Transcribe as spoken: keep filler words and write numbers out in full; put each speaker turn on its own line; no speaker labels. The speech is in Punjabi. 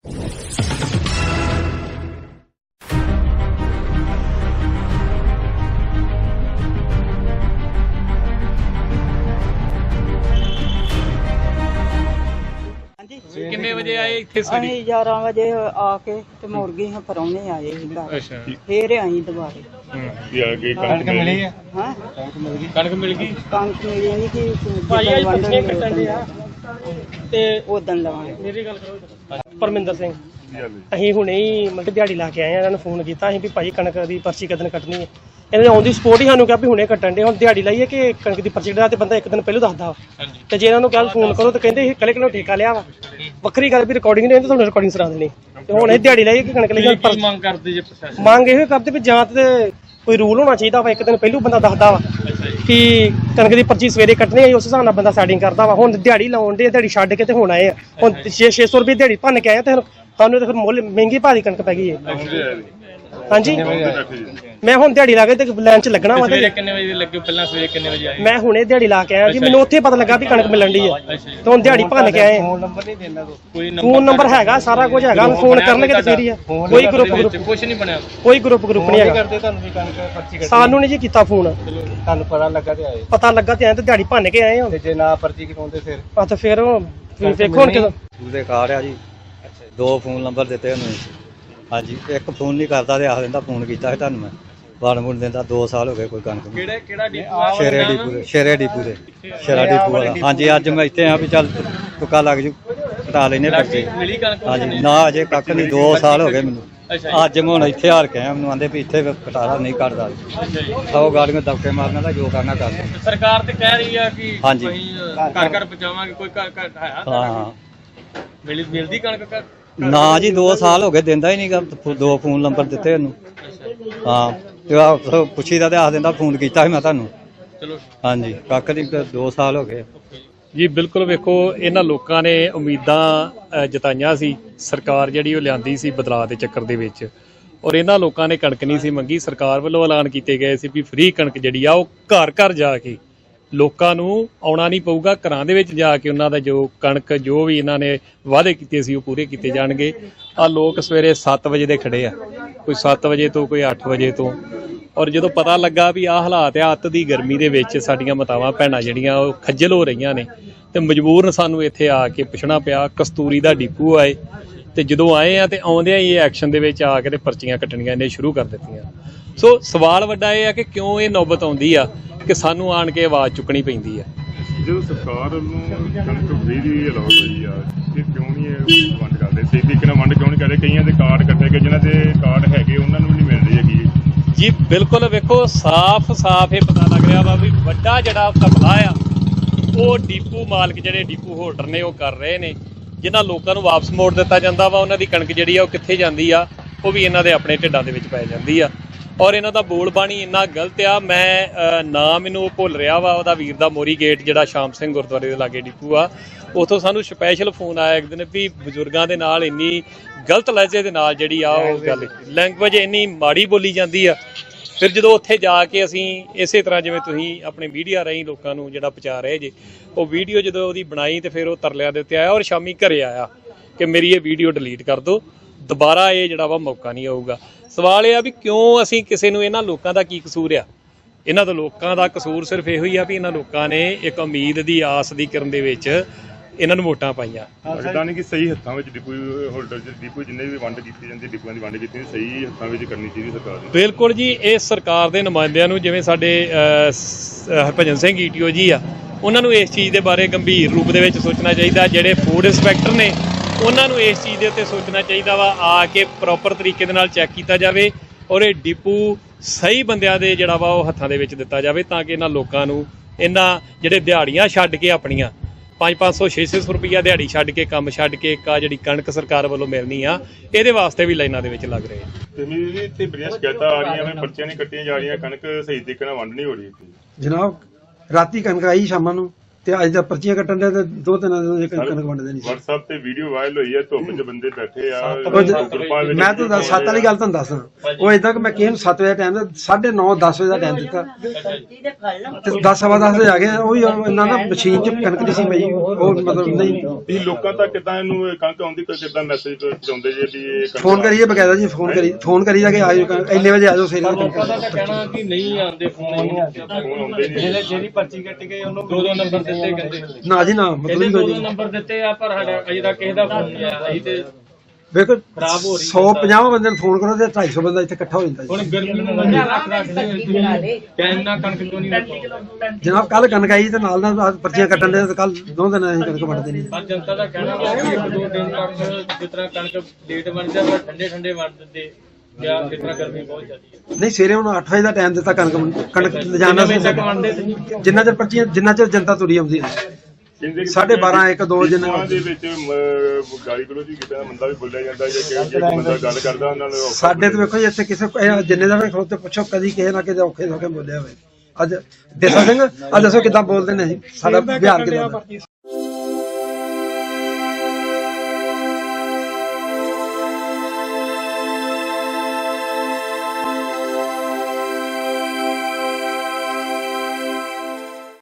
किन्ने बजे आए इत्थे?
ਅਸੀਂ ਗਿਆਰਾਂ ਵਜੇ ਆ ਕੇ ਤੇ ਮੁੜ ਗਏ ਹਾਂ, ਪਰੌਣੇ ਆਏ ਸੀ ਘਰ।
ਅੱਛਾ,
ਫੇਰ ਆਈ ਦੁਬਾਰੇ।
ਵੀ ਆ ਗਈ ਕਣਕ ਮਿਲੀ ਹੈ?
ਹਾਂ,
ਕਣਕ ਮਿਲ ਗਈ।
ਕਣਕ ਮਿਲੀ ਨਹੀਂ ਕਿ
ਭਾਈ ਅੱਜ ਪੱਛੇ ਕੱਟਣ ਦੇ ਆ ਤੇ
ਉਦੋਂ ਲਵਾਂਗੇ।
ਮੇਰੀ ਗੱਲ ਕਰੋ। ਪਰਮਿੰਦਰ ਸਿੰਘ, ਅਸੀਂ ਹੁਣੇ ਹੀ ਮਤਲਬ ਦਿਹਾੜੀ ਲਾ ਕੇ ਆਏ ਆ। ਇਹਨਾਂ ਨੂੰ ਫੋਨ ਕੀਤਾ ਅਸੀਂ ਵੀ ਭਾਈ ਕਣਕ ਦੀ ਪਰਚੀ ਕਦੋਂ ਕੱਟਣੀ ਹੈ। ਇਹਨਾਂ ਨੇ ਆਉਂਦੀ ਸਪੋਰਟ ਹੀ ਸਾਨੂੰ ਕਿਹਾ ਵੀ ਹੁਣੇ ਕੱਟਣ ਦੇ। ਹੁਣ ਦਿਹਾੜੀ ਲਾਈਏ ਕਿ ਕਣਕ ਦੀ ਪਰਚੀ ਕਟਾ ਤੇ ਬੰਦਾ ਇੱਕ ਦਿਨ ਪਹਿਲਾਂ ਦੱਸਦਾ ਵਾ, ਤੇ ਜੇ ਇਹਨਾਂ ਨੂੰ ਕੱਲ ਫੋਨ ਕਰੋ ਤਾਂ ਕਹਿੰਦੇ ਇਹ ਕੱਲੇ ਕੱਲੇ ਠੇਕਾ ਲਿਆ ਵਾ। ਵੱਖਰੀ ਗੱਲ ਵੀ ਰਿਕਾਰਡਿੰਗ ਨਹੀਂ, ਤੁਹਾਨੂੰ ਰਿਕਾਰਡਿੰਗ ਸੁਣਾ ਦੇਣੀ। ਤੇ ਹੁਣ ਇਹ ਦਿਹਾੜੀ ਲਾਈਏ ਕਿ ਕਣਕ ਲਈ
ਮੰਗ ਕਰਦੇ ਜੇ ਪ੍ਰਸ਼ਾਸਨ?
ਮੰਗ ਇਹੋ ਕਰਦੇ ਵੀ ਜਾਂ ਤੇ ਕੋਈ ਰੂਲ ਹੋਣਾ ਚਾਹੀਦਾ ਵਾ, ਇੱਕ ਦਿਨ ਪਹਿਲਾਂ ਬੰਦਾ ਦੱਸਦਾ ਵਾ ਕਿ ਕਣਕ ਦੀ ਪਰਚੀ ਸਵੇਰੇ ਕੱਟਣੀ ਹੈ, ਉਸ ਹਿਸਾਬ ਨਾਲ ਬੰਦਾ ਸੈਟਿੰਗ ਕਰਦਾ ਵਾ। ਹੁਣ ਦਿਹਾੜੀ ਲਾਉਣ ਦੇ, ਦਿਹਾੜੀ ਛੱਡ ਕੇ ਤੇ ਹੁਣ ਆਏ ਆ। ਹੁਣ ਛੇ ਛੇ ਸੌ ਰੁਪਏ ਦਿਹਾੜੀ ਭੰਨ ਕੇ ਆਏ ਤੇ ਸਾਨੂੰ ਤਾਂ ਫਿਰ ਮੁੱਲ ਮਹਿੰਗੀ ਭਾਰੀ ਕਣਕ ਪੈ ਗਈ ਹੈ। ਹਾਂਜੀ, ਮੈਂ ਹੁਣ ਦਿਹਾੜੀ ਲਾ ਕੇ ਤੇ ਲਾਈਨ 'ਚ ਲੱਗਣਾ ਵਾ।
ਸਵੇਰੇ ਕਿੰਨੇ ਵਜੇ ਲੱਗੇ? ਪਹਿਲਾਂ ਸਵੇਰੇ ਕਿੰਨੇ ਵਜੇ ਆਏ?
ਮੈਂ ਹੁਣੇ ਦਿਹਾੜੀ ਲਾ ਕੇ ਆਇਆ ਜੀ, ਮੈਨੂੰ ਉੱਥੇ ਪਤਾ ਲੱਗਾ ਵੀ ਕਣਕ ਮਿਲਣ ਦੀ ਹੈ ਤੇ ਹੁਣ ਦਿਹਾੜੀ ਭੰਨ ਕੇ ਆਏ।
ਫੋਨ ਨੰਬਰ ਨਹੀਂ ਦੇਣਾ? ਕੋਈ
ਫੋਨ ਨੰਬਰ ਹੈਗਾ, ਸਾਰਾ ਕੁਝ ਹੈਗਾ, ਫੋਨ ਕਰਨਗੇ ਤੇ ਫੇਰ ਹੀ ਆ। ਕੋਈ ਗਰੁੱਪ ਗਰੁੱਪ
ਕੁਝ ਨਹੀਂ ਬਣਿਆ,
ਕੋਈ ਗਰੁੱਪ ਗਰੁੱਪ ਨਹੀਂ ਹੈਗਾ।
ਤੁਹਾਨੂੰ ਵੀ ਕਣਕ ਪਰਚੀ ਕੱਟਣੀ?
ਸਾਨੂੰ ਨਹੀਂ ਜੀ ਕੀਤਾ ਫੋਨ।
ਤੁਹਾਨੂੰ ਪਤਾ ਲੱਗਾ ਤੇ ਆਏ?
ਪਤਾ ਲੱਗਾ ਤੇ ਆਏ ਤੇ ਦਿਹਾੜੀ ਭੰਨ ਕੇ ਆਏ ਹਾਂ।
ਤੇ ਜੇ ਨਾ ਪਰਚੀ ਕਟਾਉਂਦੇ ਫਿਰ?
ਆ ਤਾਂ ਫਿਰ ਵੇਖੋ ਹੁਣ ਕਿਦੋਂ
ਉਹਦੇ ਕਾਰ ਆ ਜੀ। ਦੋ ਫੋਨ ਨੰਬਰ ਦਿੱਤੇ ਉਹਨੂੰ। ਹਾਂਜੀ, ਇੱਕ ਫੋਨ ਨਹੀਂ ਕਰਦਾ ਤੇ ਆਖ ਦਿੰਦਾ ਫੋਨ ਕੀਤਾ ਸੀ ਤੁਹਾਨੂੰ ਮੈਂ। ਬਾਣ ਬੁਣ ਦਿੰਦਾ। ਦੋ ਸਾਲ ਹੋ ਗਏ ਕੋਈ ਕਣਕ ਨਹੀਂ।
ਕਿਹੜਾ ਕਿਹੜਾ ਡਿਪੂ?
ਸ਼ੇਰੇ ਡਿਪੂ ਦੇ, ਸ਼ੇਰੇ ਡਿਪੂ ਦੇ, ਸ਼ੇਰਾ ਡਿਪੂ ਵਾਲਾ। ਹਾਂਜੀ, ਅੱਜ ਮੈਂ ਇੱਥੇ ਆ ਵੀ ਚੱਲ ਤੁੱਕਾ ਲੱਗ ਜੂ, ਕਟਾ ਲੈਨੇ ਪਰਚੀ।
ਮਿਲੀ ਕਣਕ?
ਹਾਂਜੀ, ਨਾ ਅਜੇ ਕੱਖ ਨਹੀਂ। ਦੋ ਸਾਲ ਹੋ ਗਏ ਮੈਨੂੰ। ਅੱਜ ਮੈਂ ਹੁਣ ਇੱਥੇ ਹਾਰ ਕੇ ਆਇਆ। ਮੈਨੂੰ ਆਂਦੇ ਵੀ ਇੱਥੇ ਕਟਾਰਾ ਨਹੀਂ ਕੱਢਦਾ। ਸੌ ਗਾੜੀਆਂ ਦਬਕੇ ਮਾਰਨਾ ਦਾ ਜੋ ਕਰਨਾ ਕਰ।
ਸਰਕਾਰ ਤੇ ਕਹਿ ਰਹੀ ਆ ਕਿ
ਹਾਂਜੀ,
ਘਰ ਘਰ ਪਹੁੰਚਾਵਾਂਗੇ। ਕੋਈ ਘਰ ਘਰ ਹੈ?
ਹਾਂ ਹਾਂ।
ਮਿਲ ਮਿਲਦੀ ਕਣਕ?
ਨਾ ਜੀ, ਦੋ ਸਾਲ ਹੋ ਗਏ ਦਿੰਦਾ ਹੀ ਨਹੀਂਗਾ। ਦੋ ਫੋਨ ਨੰਬਰ ਦਿੱਤੇ ਉਹਨੂੰ। ਹਾਂ, ਤੇ ਆ ਪੁੱਛੀਦਾ ਤੇ ਆਖ ਦਿੰਦਾ ਫੋਨ ਕੀਤਾ ਸੀ ਮੈਂ ਤੁਹਾਨੂੰ।
ਚਲੋ,
ਹਾਂਜੀ, ਕੱਖ ਨਹੀਂ। ਦੋ ਸਾਲ ਹੋ ਗਏ
ਜੀ। ਬਿਲਕੁਲ, ਵੇਖੋ ਇਹਨਾਂ ਲੋਕਾਂ ਨੇ ਉਮੀਦਾਂ ਜਤਾਈਆਂ ਸੀ। ਸਰਕਾਰ ਜਿਹੜੀ ਉਹ ਲਿਆਂਦੀ ਸੀ ਬਦਲਾਅ ਦੇ ਚੱਕਰ ਦੇ ਵਿੱਚ, ਔਰ ਇਹਨਾਂ ਲੋਕਾਂ ਨੇ ਕਣਕ ਨਹੀਂ ਸੀ ਮੰਗੀ। ਸਰਕਾਰ ਵੱਲੋਂ ਐਲਾਨ ਕੀਤੇ ਗਏ ਸੀ ਵੀ ਫ੍ਰੀ ਕਣਕ ਜਿਹੜੀ ਆ ਉਹ ਘਰ ਘਰ ਜਾ ਕੇ ਲੋਕਾਂ ਨੂੰ ਆਉਣਾ ਨਹੀਂ ਪਊਗਾ। ਘਰਾਂ ਦੇ ਵਿੱਚ ਜਾ ਕੇ ਉਹਨਾਂ ਦਾ ਜੋ ਕਣਕ ਜੋ ਵੀ ਇਹਨਾਂ ਨੇ ਵਾਅਦੇ ਕੀਤੇ ਸੀ ਉਹ ਪੂਰੇ ਕੀਤੇ ਜਾਣਗੇ। ਆ ਲੋਕ ਸਵੇਰੇ ਸੱਤ ਵਜੇ ਦੇ ਖੜੇ ਆ, ਕੋਈ ਸੱਤ ਵਜੇ ਤੋਂ, ਕੋਈ ਅੱਠ ਵਜੇ ਤੋਂ। ਔਰ ਜਦੋਂ ਪਤਾ ਲੱਗਾ ਵੀ ਆਹ ਹਾਲਾਤ ਆ, ਅੱਤ ਦੀ ਗਰਮੀ ਦੇ ਵਿੱਚ ਸਾਡੀਆਂ ਮਾਤਾਵਾਂ ਭੈਣਾਂ ਜਿਹੜੀਆਂ ਉਹ ਖੱਜਲ ਹੋ ਰਹੀਆਂ ਨੇ, ਤੇ ਮਜਬੂਰਨ ਸਾਨੂੰ ਇੱਥੇ ਆ ਕੇ ਪੁੱਛਣਾ ਪਿਆ। ਕਸਤੂਰੀ ਦਾ ਡਿਪੂ ਆਏ ਤੇ ਜਦੋਂ ਆਏ ਆ ਤੇ ਆਉਂਦਿਆਂ ਹੀ ਇਹ ਐਕਸ਼ਨ ਦੇ ਵਿੱਚ ਆ ਕੇ ਤੇ ਪਰਚੀਆਂ ਕੱਟਣੀਆਂ ਇਹਨੇ ਸ਼ੁਰੂ ਕਰ ਦਿੱਤੀਆਂ। ਸੋ ਸਵਾਲ ਵੱਡਾ ਇਹ ਆ ਕਿ ਕਿਉਂ ਇਹ ਨੌਬਤ ਆਉਂਦੀ ਆ ਕਿ ਸਾਨੂੰ ਆਣ ਕੇ ਆਵਾਜ਼ ਚੁੱਕਣੀ ਪੈਂਦੀ ਆ।
ਜਦੋਂ ਸਰਕਾਰ ਵੱਲੋਂ ਕਣਕ ਫ੍ਰੀ ਦੀ ਅਲਾਟ ਹੋਈ ਆ, ਇਹ ਕਿਉਂ ਨਹੀਂ ਇਹ ਵੰਡ ਕਰਦੇ? ਸਹੀ ਤਰੀਕੇ ਨਾਲ ਵੰਡ ਕਿਉਂ ਨਹੀਂ ਕਰਦੇ? ਕਈਆਂ ਦੇ ਕਾਰਡ ਕੱਟੇ ਗਏ, ਜਿਨ੍ਹਾਂ ਦੇ ਕਾਰਡ ਹੈਗੇ ਉਹਨਾਂ ਨੂੰ ਵੀ ਨਹੀਂ ਮਿਲ ਰਹੀ ਹੈਗੀ
ਜੀ। ਬਿਲਕੁਲ, ਵੇਖੋ ਸਾਫ਼ ਸਾਫ਼ ਇਹ ਪਤਾ ਲੱਗ ਰਿਹਾ ਵਾ ਵੀ ਵੱਡਾ ਜਿਹੜਾ ਘਪਲਾ ਆ ਉਹ ਡੀਪੂ ਮਾਲਕ ਜਿਹੜੇ ਡੀਪੂ ਹੋਲਡਰ ਨੇ ਉਹ ਕਰ ਰਹੇ ਨੇ। ਜਿਨ੍ਹਾਂ ਲੋਕਾਂ ਨੂੰ ਵਾਪਸ ਮੋੜ ਦਿੱਤਾ ਜਾਂਦਾ ਵਾ, ਉਹਨਾਂ ਦੀ ਕਣਕ ਜਿਹੜੀ ਆ ਉਹ ਕਿੱਥੇ ਜਾਂਦੀ ਆ? ਉਹ ਵੀ ਇਹਨਾਂ ਦੇ ਆਪਣੇ ਢਿੱਡਾਂ ਦੇ ਵਿੱਚ ਪੈ ਜਾਂਦੀ ਆ। ਔਰ ਇਹਨਾਂ ਦਾ ਬੋਲ ਬਾਣੀ ਇੰਨਾ ਗਲਤ ਆ। ਮੈਂ ਨਾ ਮੈਨੂੰ ਉਹ ਭੁੱਲ ਰਿਹਾ ਵਾ ਉਹਦਾ ਵੀਰ ਦਾ, ਮੋਰੀ ਗੇਟ ਜਿਹੜਾ ਸ਼ਾਮ ਸਿੰਘ ਗੁਰਦੁਆਰੇ ਦੇ ਲਾਗੇ ਡਿਪੂ ਆ, ਉੱਥੋਂ ਸਾਨੂੰ ਸਪੈਸ਼ਲ ਫੋਨ ਆਇਆ ਇੱਕ ਦਿਨ ਵੀ ਬਜ਼ੁਰਗਾਂ ਦੇ ਨਾਲ ਇੰਨੀ ਗਲਤ ਲਹਿਜੇ ਦੇ ਨਾਲ ਜਿਹੜੀ ਆ ਉਹ ਗੱਲ ਲੈਂਗੁਏਜ ਇੰਨੀ ਮਾੜੀ ਬੋਲੀ ਜਾਂਦੀ ਆ। ਫਿਰ ਜਦੋਂ ਉੱਥੇ ਜਾ ਕੇ ਅਸੀਂ ਇਸੇ ਤਰ੍ਹਾਂ ਜਿਵੇਂ ਤੁਸੀਂ ਆਪਣੇ ਮੀਡੀਆ ਰਾਹੀਂ ਲੋਕਾਂ ਨੂੰ ਜਿਹੜਾ ਪਹੁੰਚਾ ਰਹੇ ਜੇ, ਉਹ ਵੀਡੀਓ ਜਦੋਂ ਉਹਦੀ ਬਣਾਈ ਤੇ ਫਿਰ ਉਹ ਤਰਲਿਆਂ ਦੇ ਉੱਤੇ ਆਇਆ ਔਰ ਸ਼ਾਮੀ ਘਰੇ ਆਇਆ ਕਿ ਮੇਰੀ ਇਹ ਵੀਡੀਓ ਡਿਲੀਟ ਕਰ ਦਿਓ, ਦੁਬਾਰਾ ਇਹ ਜਿਹੜਾ ਵਾ ਮੌਕਾ ਨਹੀਂ ਆਊਗਾ। ਸਵਾਲ ਇਹ ਆ ਵੀ ਕਿਉਂ ਅਸੀਂ ਕਿਸੇ ਨੂੰ, ਇਹਨਾਂ ਲੋਕਾਂ ਦਾ ਕੀ ਕਸੂਰ ਆ? ਇਹਨਾਂ ਦਾ ਲੋਕਾਂ ਦਾ ਕਸੂਰ ਸਿਰਫ ਇਹੋ ਹੀ ਆ ਵੀ ਇਹਨਾਂ ਲੋਕਾਂ ਨੇ ਇੱਕ ਉਮੀਦ ਦੀ ਆਸ ਦੀ ਕਰਨ ਦੇ ਵਿੱਚ ਇਹਨਾਂ ਨੂੰ ਵੋਟਾਂ ਪਾਈਆਂ।
ਲੱਗਦਾ ਨਹੀਂ ਕਿ ਸਹੀ ਹੱਥਾਂ ਵਿੱਚ ਡਿਪੂ ਹੋਲਡਰ ਡਿਪੂ ਜਿੰਨੇ ਵੀ ਵੰਡ ਕੀਤੀ ਜਾਂਦੀ, ਡਿਪੂਆਂ ਦੀ ਵੰਡ ਕੀਤੀ ਸਹੀ ਹੱਥਾਂ ਵਿੱਚ ਕਰਨੀ ਚਾਹੀਦੀ ਸਰਕਾਰ ਨੂੰ।
ਬਿਲਕੁਲ ਜੀ, ਇਹ ਸਰਕਾਰ ਦੇ ਨੁਮਾਇੰਦਿਆਂ ਨੂੰ, ਜਿਵੇਂ ਸਾਡੇ ਹਰਭਜਨ ਸਿੰਘ ਈਟੀਓ ਜੀ ਆ, ਉਹਨਾਂ ਨੂੰ ਇਸ ਚੀਜ਼ ਦੇ ਬਾਰੇ ਗੰਭੀਰ ਰੂਪ ਦੇ ਵਿੱਚ ਸੋਚਣਾ ਚਾਹੀਦਾ। ਜਿਹੜੇ ਫੂਡ ਇੰਸਪੈਕਟਰ ਨੇ ਉਹਨਾਂ ਨੂੰ ਇਸ ਚੀਜ਼ ਦੇ ਉੱਤੇ ਸੋਚਣਾ ਚਾਹੀਦਾ ਵਾ, ਆ ਕੇ ਪ੍ਰੋਪਰ ਤਰੀਕੇ ਦੇ ਨਾਲ ਚੈੱਕ ਕੀਤਾ ਜਾਵੇ ਔਰ ਇਹ ਡਿਪੂ ਸਹੀ ਬੰਦਿਆਂ ਦੇ ਜਿਹੜਾ ਵਾ ਉਹ ਹੱਥਾਂ ਦੇ ਵਿੱਚ ਦਿੱਤਾ ਜਾਵੇ, ਤਾਂ ਕਿ ਇਹਨਾਂ ਲੋਕਾਂ ਨੂੰ, ਇਹਨਾਂ ਜਿਹੜੇ ਦਿਹਾੜੀਆਂ ਛੱਡ ਕੇ ਆਪਣੀਆਂ ਪੰਜ ਪੰਜ ਸੌ ਛੇ ਛੇ ਸੌ ਰੁਪਈਆ ਦਿਹਾੜੀ ਛੱਡ ਕੇ, ਕੰਮ ਛੱਡ ਕੇ, ਇੱਕ ਆ ਜਿਹੜੀ ਕਣਕ ਸਰਕਾਰ ਵੱਲੋਂ ਮਿਲਣੀ ਆ, ਇਹਦੇ ਵਾਸਤੇ ਵੀ ਲਾਈਨਾਂ ਦੇ ਵਿੱਚ ਲੱਗ ਰਹੇ ਆ।
ਤੇ ਮੇਰੀ ਇੱਥੇ ਬੜੀਆਂ ਸ਼ਿਕਾਇਤਾਂ ਆ ਰਹੀਆਂ ਨੇ, ਪਰਚੀਆਂ ਨਹੀਂ ਕੱਟੀਆਂ ਜਾ ਰਹੀਆਂ, ਕਣਕ ਸਹੀ ਤਰੀਕੇ ਨਾਲ ਵੰਡ ਨਹੀਂ ਹੋ ਰਹੀ।
ਜਨਾਬ, ਰਾਤੀ ਕਣਕ ਆਈ ਸ਼ਾਮਾਂ ਨੂੰ ਤੇ ਅੱਜ ਤਾਂ ਪਰਚੀਆਂ ਕੱਟਣ ਦੇ ਤੇ ਦੋ ਤਿੰਨ ਦਿਨ ਜੇ ਕਣਕ ਵੰਡਦੇ ਨਹੀਂ ਸੀ।
WhatsApp ਤੇ ਵੀਡੀਓ ਵਾਇਰਲ ਹੋਈ ਹੈ, ਧੁੱਪ 'ਚ ਬੰਦੇ ਬੈਠੇ ਆ
ਉਹ ਜ-
ਗਰੁੱਪਾਂ ਵਿੱਚ।
ਮੈਂ ਤੁਹਾਨੂੰ ਦੱਸ- ਸੱਤ ਵਾਲੀ ਗੱਲ ਤੁਹਾਨੂੰ ਦੱਸਦਾ, ਉਹ ਏਦਾਂ ਕਿ ਮੈਂ ਕਿਸੇ ਨੂੰ ਸੱਤ ਵਜੇ ਟਾਈਮ ਸਾਢੇ ਨੌ ਦਸ ਵਜੇ ਦਾ ਟਾਈਮ ਦਿੱਤਾ ਤੇ ਦਸ ਸਵਾ ਦਸ ਵਜੇ ਆ ਗਏ। ਉਹ ਵੀ ਇਹਨਾਂ ਨਾ ਮਸ਼ੀਨ 'ਚ ਕਣਕ ਦੀ ਸੀ ਪਈ, ਉਹ ਮਤਲਬ ਨਹੀਂ
ਵੀ ਲੋਕਾਂ ਤੱਕ ਕਿੱਦਾਂ ਇਹਨੂੰ ਕਣਕ ਆਉਂਦੀ ਕਿੱਦਾਂ ਮੈਸੇਜ ਪਹੁੰਚਾਉਂਦੇ ਜੇ ਵੀ ਇਹ ਕਣਕ
ਫੋਨ ਕਰੀਏ ਬਕਾਇਦਾ ਜੀ, ਫੋਨ ਕਰੀ ਫੋਨ ਕਰੀ ਜਾ ਕੇ ਆਜੋ ਕਣਕ- ਇੰਨੇ ਵਜੇ ਆਜੋ ਸਵੇਰੇ
ਲੋਕਾਂ ਦਾ ਤਾਂ ਕਹਿਣਾ ਕਿ ਨਹੀਂ ਆਉਂਦੇ ਫੋਨ
ਫੋਨ ਆਉਂਦੇ ਨਹੀਂ।
ਜਿਹੜੇ ਜਿਹੜੀ ਪਰਚੀ ਕੱਟ ਗਈ ਉਹਨੂੰ ਦੋ ਦੋ ਨੰਬਰ ਦਿੱਤੇ ਕਹਿੰਦੇ
ਨਾ ਜੀ ਨਾ, ਮਤਲਬ
ਇਹਦੇ
ਹੀ
ਦੋ
ਕੋਈ
ਦੋ
ਨਹੀਂ।
ਨੰਬਰ ਦਿੱਤੇ ਆ ਪਰ ਸਾਡਾ ਅਜੇ ਤੱਕ ਕਿਸੇ ਦਾ ਫੋਨ ਨਹੀਂ ਆਇਆ। ਅਸੀਂ ਤੇ
ਵੇਖੋ
ਖਰਾਬ ਹੋ ਰਹੀ ਹੈ
ਸੌ ਪੰਜਾਹ ਬੰਦੇ ਨੂੰ ਫੋਨ ਕਰੋ ਤੇ ਢਾਈ ਸੌ ਬੰਦਾ ਇੱਥੇ ਇਕੱਠਾ ਹੋ ਜਾਂਦਾ
ਹੁਣ
ਜੀ।
ਗਰਮੀ ਨੂੰ ਮੰਨੇ ਰੱਖ ਰੱਖਦੇ ਕਹਿਣਾ ਕਣਕ ਕਿਉਂ ਨਹੀਂ ਵਰਤੋਂ।
ਜਨਾਬ ਕੱਲ ਕਣਕ ਆਈ ਤੇ ਨਾਲ ਨਾਲ ਆਹ ਪਰਚੀਆਂ ਕੱਟਣ ਦੇ ਤੇ ਕੱਲ ਦੋ ਦਿਨ ਅਸੀਂ ਕਣਕ ਵੰਡਦੇ ਨਹੀਂ।
ਪਰ ਜਨਤਾ ਦਾ ਕਹਿਣਾ ਵਾ ਕਿ ਇੱਕ ਦੋ ਦਿਨ ਤੱਕ ਜਿਸ ਤਰ੍ਹਾਂ ਕਣਕ ਲੇਟ ਬਣ ਜਾਂਦਾ ਠੰਡੇ ਠੰਡੇ ਵੰਡ ਦਿੰਦੇ ਜਾਂ ਜਿਸ ਤਰ੍ਹਾਂ ਗਰਮੀ ਬਹੁਤ ਜ਼ਿਆਦੀ ਹੈ।
ਨਹੀਂ ਸਵੇਰੇ ਹੁਣ ਅੱਠ ਵਜੇ ਦਾ ਟਾਈਮ ਦਿੱਤਾ ਕਣਕ ਕਣਕ ਲਿਜਾਣਾ
ਕਿੰਨੇ ਵਜੇ ਤੱਕ ਵੰਡਦੇ ਸੀ?
ਜਿੰਨਾ ਚਿਰ ਪਰਚੀਆਂ ਜਿੰਨਾ ਚਿਰ ਜਨਤਾ ਤੁਰੀ ਆਉਂਦੀ ਹੈ।
ਕਹਿੰਦੇ ਕਿ
ਸਾਢੇ ਬਾਰਾਂ, ਇੱਕ, ਦੋ ਜਿੰਨੇ-
ਡਿਪੂਆਂ ਦੇ ਵਿੱਚ ਮ, ਗਾਲੀ ਗਲੋਚ ਵੀ ਕੀਤਾ ਬੰਦਾ ਵੀ ਬੋਲਿਆ ਜਾਂਦਾ ਜਾਂ ਕਿ ਜੇ ਕੋਈ ਬੰਦਾ ਗੱਲ ਕਰਦਾ ਉਹਨਾਂ ਨੂੰ
ਸਾਡੇ ਤੇ ਵੇਖੋ ਜੀ ਇੱਥੇ ਕਿਸੇ ਇਹ ਜਿੰਨੇ ਦਾ ਖਲੋਤੇ ਪੁੱਛੋ ਕਦੀ ਕਿਸੇ ਨਾ ਕਿਸੇ ਔਖੇ ਹੋ ਕੇ ਬੋਲਿਆ ਹੋਵੇ। ਅੱਜ ਦੇਸਾ ਸਿੰਘ ਅੱਜ ਦੱਸੋ ਕਿੱਦਾਂ ਬੋਲਦੇ ਨੇ ਅਸੀਂ, ਸਾਡਾ ਬਿਹਾਰ ਕਿੱਦਾਂ ਦਾ?